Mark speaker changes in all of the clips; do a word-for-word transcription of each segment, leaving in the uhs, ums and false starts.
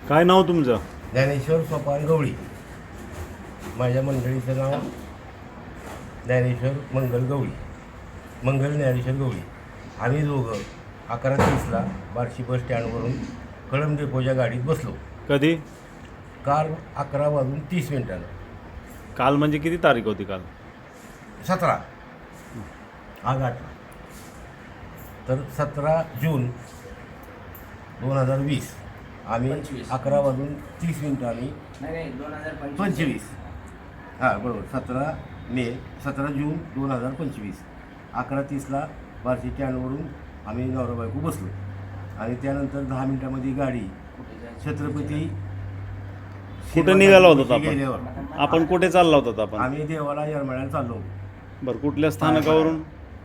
Speaker 1: काय नाव तुमचं?
Speaker 2: ज्ञानेश्वर सोपान गवळी. माझ्या मंडळीचं नाव ज्ञानेश्वर मंगल गवळी, मंगल ज्ञानेश्वर गवळी. आम्ही दोघं अकरा तीसला बार्शी बस स्टँडवरून कळंब डेपोच्या गाडीत बसलो.
Speaker 1: कधी?
Speaker 2: काल अकरा वाजून तीस मिनिटानं.
Speaker 1: काल म्हणजे किती तारीख होती काल?
Speaker 2: सतरा आज आठ. तर सतरा जून दोन हजार वीस आम्ही अकरा वाजून तीस मिनिटांनी पंचवीस हां बरोबर सतरा मे सतरा जून दोन हजार पंचवीस अकरा तीसला बार्शी स्टँडवरून आम्ही नवरा बायको बसलो. आणि त्यानंतर दहा मिनिटामध्ये गाडी छत्रपती
Speaker 1: कुठं निघाला होता आपण?
Speaker 2: गेल्यावर
Speaker 1: आपण कुठे चालला होता आपण?
Speaker 2: आम्ही देवाला येरमाळ्याला चाललो.
Speaker 1: बरं, कुठल्या स्थानकावरून?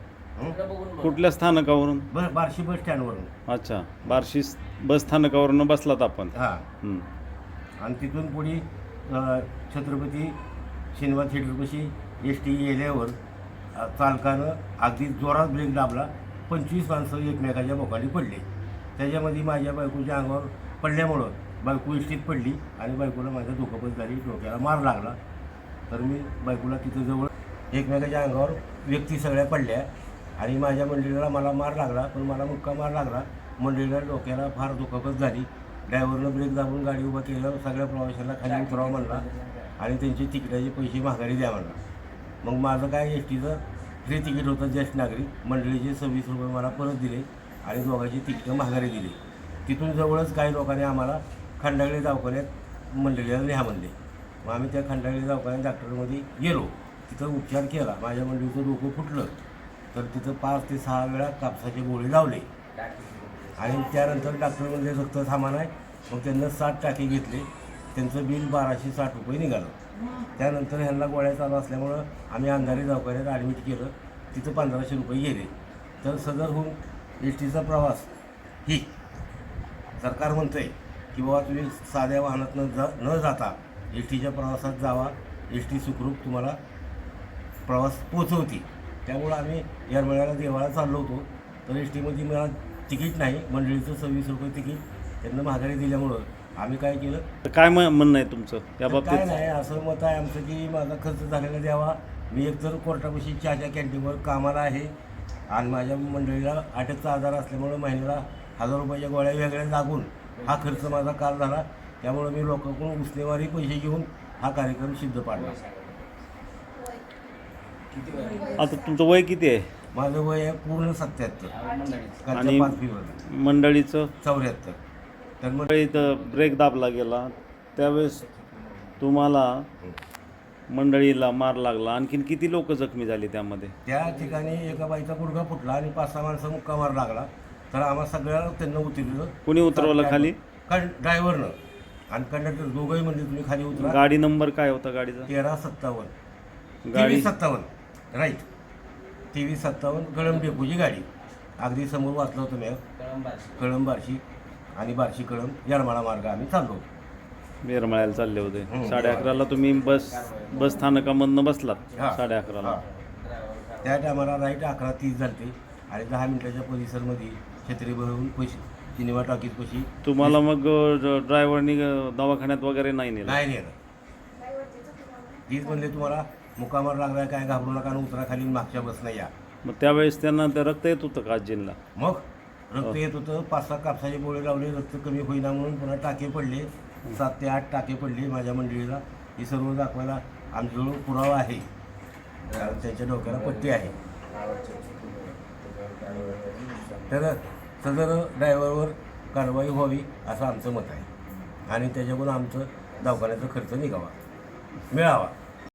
Speaker 1: कुठल्या स्थानकावरून?
Speaker 2: ब बार्शी बस स्टँडवरून.
Speaker 1: अच्छा, बार्शी बस स्थानकावरून बसलात आपण.
Speaker 2: हां
Speaker 1: हं.
Speaker 2: आणि तिथून पुढे अ, छत्रपती सिनेमा थिएटरपाशी एस टी गेल्यावर अ, चालकानं अगदी जोरात ब्रेक दाबला. पंचवीस माणसं एकमेकाच्या बोकांनी पडले. त्याच्यामध्ये माझ्या बायकोच्या अंगावर पडल्यामुळं बायको इष्टीत पडली आणि बायकोला माझ्या दुखापत झाली, डोक्याला मार लागला. तर मी बायकोला तिथं जवळ एकमेकाच्या अंगावर व्यक्ती सगळ्या पडल्या आणि माझ्या मंडळीला मला मार लागला, पण मला मुक्का मार लागला. मंडळीला डोक्याला फार दुखापत झाली. ड्रायव्हरनं ब्रेक दाबून गाडी उभा केलं, सगळ्या प्रवाशांना खाली उतरावं म्हणला आणि त्यांचे तिकिटाचे पैसे माघारी द्या म्हणला. मग माझं काय एस टीचं फ्री तिकीट होतं ज्येष्ठ नागरिक, मंडळीचे सव्वीस रुपये मला परत दिले आणि दोघांची तिकीटं माघारी दिली. तिथून जवळच काही लोकांनी आम्हाला खंडागळे दवाखान्यात मंडळीला न्या म्हणले. मग आम्ही त्या खंडागळे दवाखान्यात डॉक्टरमध्ये गेलो. तिथं उपचार केला. माझ्या मंडळीचं डोकं फुटलं. तर तिथं पाच ते सहा वेळा कापसाचे गोळे लावले आणि त्यानंतर डॉक्टर म्हणजे रक्त थांबा नाही. मग त्यांना सात टाके घेतले. त्यांचं बिल बाराशे साठ रुपये निघालं. त्यानंतर ह्यांना गोळ्या चालू असल्यामुळं आम्ही अंधारी दवाखान्यात ॲडमिट केलं. तिथं पंधराशे रुपये गेले. तर सदरहून एस टीचा प्रवास ही सरकार म्हणतं आहे की बाबा तुम्ही साध्या वाहनात न जा न जाता एस टीच्या प्रवासात जावा, एस टी सुखरूप तुम्हाला प्रवास पोचवते. त्यामुळं आम्ही येरमाळ्याला देवाला चाललो होतो. तर एस टीमध्ये मला तिकीट नाही, मंडळीचं सव्वीस रुपये तिकीट त्यांना माघारी दिल्यामुळं आम्ही काय केलं.
Speaker 1: तर काय म- म्हणणं आहे तुमचं त्या
Speaker 2: काय
Speaker 1: बाबतीत?
Speaker 2: नाही, असं मत आहे आमचं की माझा खर्च झालेला द्यावा. मी एकतर कोर्टापाशी चहाच्या कॅन्टीनवर कामाला आहे आणि माझ्या मंडळीला अटकचा आजार असल्यामुळं महिन्याला हजार रुपयाच्या गोळ्या वेगळ्या लागून हा खर्च माझा काल झाला. त्यामुळं मी लोकांकडून उसनेवारी पैसे घेऊन हा कार्यक्रम सिद्ध पाडला.
Speaker 1: आता तुमचं वय किती आहे?
Speaker 2: माझं वय आहे पूर्ण सत्याहत्तर
Speaker 1: आणि
Speaker 2: पाच फेब्रुवारी
Speaker 1: मंडळीचं?
Speaker 2: चौऱ्याहत्तर. तर मग
Speaker 1: मंडळीत ब्रेक दाबला गेला त्यावेळेस तुम्हाला मंडळीला मार लागला. आणखीन किती लोक जखमी झाली त्यामध्ये?
Speaker 2: त्या ठिकाणी एका बाईचा गुडघा फुटला आणि पाच सहा माणसं मुक्का मार लागला. तर आम्हा सगळ्याला त्यांना उतरलं.
Speaker 1: कोणी उतरवलं खाली?
Speaker 2: कं ड्रायव्हरनं आणि कंडक्टर दोघंही म्हणजे तुम्ही खाली उतरा.
Speaker 1: गाडी नंबर काय होता गाडीचा?
Speaker 2: तेरा सत्तावन्न
Speaker 1: गाडी
Speaker 2: तेवीस सत्तावन्न राईट तेवीस सत्तावन्न कळंब डेपोची गाडी. अगदी समोर वाचलं होतं मी, कळंब बार्शी आणि बार्शी कळंब येरमाळा मार्ग आम्ही चाललो होतो.
Speaker 1: येरमाळ्याला चालले होते.
Speaker 2: हं.
Speaker 1: साडे अकराला तुम्ही बस बस स्थानकामधनं बसलात
Speaker 2: हां.
Speaker 1: साडे अकराला.
Speaker 2: हां. त्या टायमाला राईट अकरा तीस झालते आणि दहा मिनिटाच्या परिसरमध्ये छत्री भरून पैसे सिनेमा टॉकीज पशी
Speaker 1: तुम्हाला मग ड्रायव्हरनी दवाखान्यात वगैरे नाही नेलं?
Speaker 2: नाही नेलं. तीच म्हणले तुम्हाला मुकामार लागलाय काय घाबरू नका आणि उतरा खाली मागच्या बसनं या.
Speaker 1: मग त्यावेळेस त्यांना ते रक्त येत होतं का आजींना?
Speaker 2: मग रक्त येत होतं. पाच सहा कापसाचे गोळे लावले, रक्त कमी होईना म्हणून पुन्हा टाके पडले. सात ते आठ टाके पडले माझ्या मंडळीला. ही सर्व दाखवायला आमच्याजवळ पुरावा आहे. कारण त्यांच्या डोक्याला पट्टी आहे. तर सदर ड्रायव्हरवर कारवाई व्हावी असं आमचं मत आहे आणि त्याच्याकडून आमचं दवाखान्याचा खर्च निघावा मिळावा.